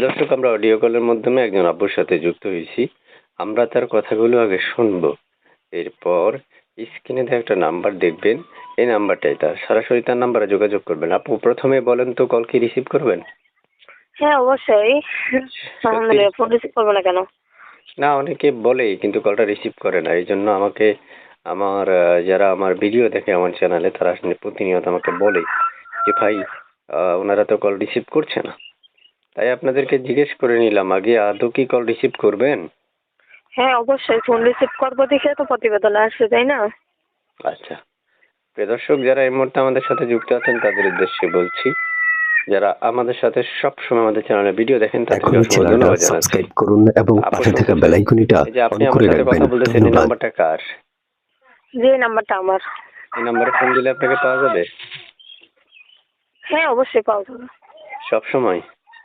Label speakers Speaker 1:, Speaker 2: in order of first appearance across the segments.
Speaker 1: দর্শক, আমরা অডিও কলের মাধ্যমে একজন আব্বুর সাথে যুক্ত হয়েছি। আমরা তার কথাগুলো আগে শুনবো। এরপর স্ক্রিনে দিয়ে একটা নাম্বার দেখবেন, এই নাম্বারটাই তার। সরাসরি তার নাম্বারে যোগাযোগ করবেন। আপু, প্রথমে বলেন তো, কল কি রিসিভ করবেন?
Speaker 2: হ্যাঁ, অবশ্যই। আলহামদুলিল্লাহ, ফোন রিসিভ করবো না কেন?
Speaker 1: না, অনেকে বলে কিন্তু কলটা রিসিভ করে না। এই জন্য আমাকে আমার যারা আমার ভিডিও দেখে আমার চ্যানেলে, তারা আসলে প্রতিনিয়ত আমাকে বলে যে ভাই, ওনারা তো কল রিসিভ করছে না। তাই আপনাদেরকে জিজ্ঞেস করে নিলাম আগে, আদৌ কি কল রিসিভ করবেন?
Speaker 2: হ্যাঁ, অবশ্যই ফোন রিসিভ করবো দেখে তো প্রতিবেদন আসছে, তাই না?
Speaker 1: আচ্ছা, প্রিয় দর্শক, যারা এই মুহূর্তে আমাদের সাথে যুক্ত আছেন তাদের উদ্দেশ্যে বলছি, যারা আমাদের সাথে সবসময় আমাদের চ্যানেলে ভিডিও দেখেন তাদেরকে
Speaker 3: এখনই
Speaker 1: অসংখ্য
Speaker 3: চ্যানেলটা
Speaker 1: ধন্যবাদ জানাচ্ছি।
Speaker 3: সাবস্ক্রাইব করুন এবং
Speaker 1: আপু,
Speaker 3: পাশে থাকা
Speaker 1: শুনতে
Speaker 3: বেল
Speaker 1: চাই,
Speaker 3: আইকনটা
Speaker 1: এই যে আপনি
Speaker 3: অন
Speaker 1: আমার
Speaker 3: করে
Speaker 1: সাথে কথা
Speaker 3: রাখবেন।
Speaker 1: বলতেছেন, এই
Speaker 3: ধন্যবাদ।
Speaker 1: নাম্বারটা কার?
Speaker 2: যে নাম্বারটা আমার।
Speaker 1: এই নাম্বারে ফোন দিলে আপনাকে পাওয়া যাবে
Speaker 2: হ্যাঁ, অবশ্যই পাওয়া যাবে।
Speaker 1: সব সময়?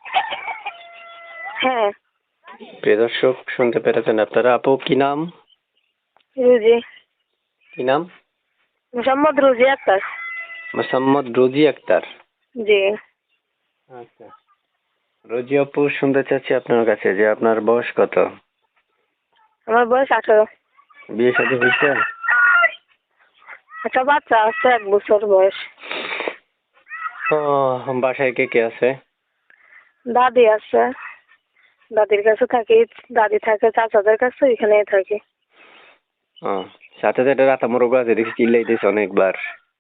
Speaker 2: হ্যাঁ।
Speaker 1: প্রিয় দর্শক, শুনতে পেরেছেন আপনারা। আপু, কি নাম?
Speaker 2: রুজি।
Speaker 1: কি নাম?
Speaker 2: মোহাম্মদ রুজি আক্তার।
Speaker 1: মোসাম্মদ রোজি আক্তার।
Speaker 2: জি।
Speaker 1: আচ্ছা, রোজি আপু, শুনতে চাচ্ছি আপনার কাছে যে আপনার বয়স কত?
Speaker 2: আমার বয়স 18।
Speaker 1: বিয়ে শাদী হয়েছে?
Speaker 2: একটা বাচ্চা আছে, 1 বছর বয়স।
Speaker 1: ও, বাসায় কে কে আছে?
Speaker 2: দাদি আছে, দাদির কাছে থাকি। দাদি থাকে চাচাদের কাছে, এখানেই থাকি।
Speaker 1: ও, সাথে সাথে রাতা মোরগ আছে, দেখি চিল্লাইতেছে অনেকবার।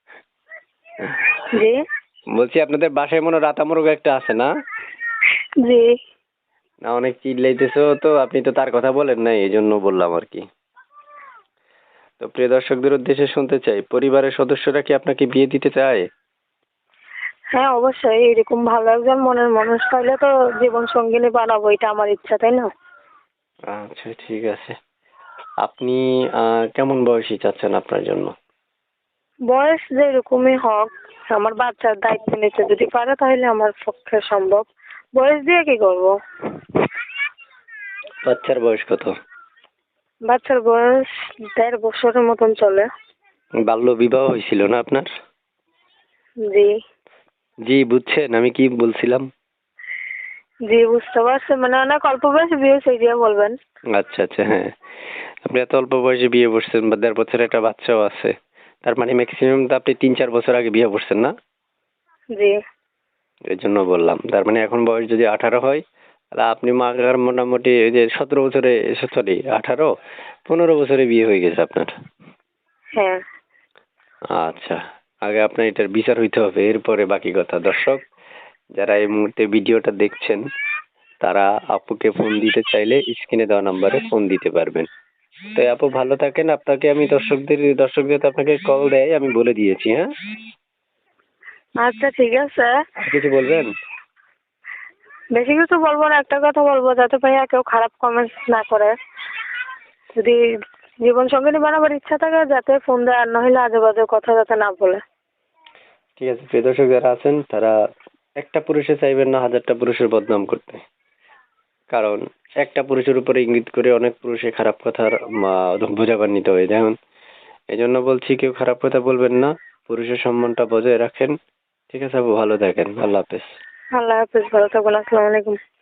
Speaker 2: জি।
Speaker 1: বলছি, আপনাদের বাসায় মনে হয় রাতা মোরগ একটা আছে না?
Speaker 2: জি।
Speaker 1: না, অনেক চিল্লাইতেছো তো, আপনি তো তার কথা বলেন নাই, এই জন্য বললাম আর কি। তো প্রিয় দর্শকদের উদ্দেশ্যে শুনতে চাই, পরিবারের সদস্যরা কি আপনাকে বিয়ে দিতে চায়?
Speaker 2: হ্যাঁ, অবশ্যই। এরকম ভালো একজন মনের মানুষ পাইলে তো জীবন সঙ্গিনী বানাবো, এটা আমার ইচ্ছা, তাই না?
Speaker 1: আচ্ছা, ঠিক আছে। আপনি কেমন বয়সী চাচ্ছেন আপনার জন্য?
Speaker 2: বয়স যেরকমই হোক, আমার বাচ্চার দায়িত্ব নিতে যদি পারে তাহলে আমার পক্ষে সম্ভব। বয়স দিয়ে কি করবো?
Speaker 1: বাচ্চার বয়স কত?
Speaker 2: বাচ্চার বয়স 1.5 বছরের মতন চলে।
Speaker 1: বাল্য বিবাহ হয়েছিল না আপনার?
Speaker 2: জি।
Speaker 1: জি, বুঝছেন আমি কি বলছিলাম?
Speaker 2: জি, বুঝতে পারছি। মানে অনেক অল্প বয়সে বিয়ে, সেই দিয়ে বলবেন।
Speaker 1: আচ্ছা আচ্ছা, হ্যাঁ। আপনি এত অল্প বয়সে বিয়ে করছেন, বা 1.5 বছরের একটা বাচ্চাও আছে। তার মানে ম্যাক্সিমাম তো আপনি 3-4 বছর আগে বিয়ে করছেন না?
Speaker 2: জি।
Speaker 1: এই জন্য বললাম। তার মানে এখন বয়স যদি 18 হয়, তাহলে আপনি মাগার মোটামুটি এই যে 17 বছরে, সরি 18, 15 বছরে বিয়ে হয়ে গেছে আপনার।
Speaker 2: হ্যাঁ।
Speaker 1: আচ্ছা, আগে আপনার এটার বিচার হইতে হবে, এরপরে বাকি কথা। দর্শক, যারা এই মুহূর্তে ভিডিওটা দেখছেন, তারা আপুকে ফোন দিতে চাইলে স্ক্রিনে দেওয়া নাম্বারে ফোন দিতে পারবেন। তো আপু, ভালো থাকেন। আপনাকে আমি দর্শকদের আপনাকে কল দেয়, আমি বলে দিয়েছি, হ্যাঁ?
Speaker 2: আচ্ছা, ঠিক আছে।
Speaker 1: আর কিছু বলবেন?
Speaker 2: বেশি কিছু বলবো না, একটা কথা বলবো, যাতে ভাইয়া কেউ খারাপ কমেন্টস না করে। যদি জীবন সঙ্গিনী বানাবার ইচ্ছা থাকে, যাতে ফোন দেয়, আর নইলে আজে বাজে কথা যাতে না বলে।
Speaker 1: ঠিক আছে, প্রিয় দর্শক যারা আছেন, তারা একটা পুরুষে চাইবেন না 1000টা পুরুষের বদনাম করতে। কারণ একটা পুরুষের উপরে ইঙ্গিত করে অনেক পুরুষে খারাপ কথার বোঝাবান্বিত হয়ে যায়। এই জন্য বলছি, কেউ খারাপ কথা বলবেন না, পুরুষের সম্মানটা বজায় রাখেন। ঠিক আছে আপু, ভালো থাকেন। আল্লাহ হাফেজ।
Speaker 2: আল্লাহ হাফিজ, ভালো থাকবেন। আসসালামু আলাইকুম।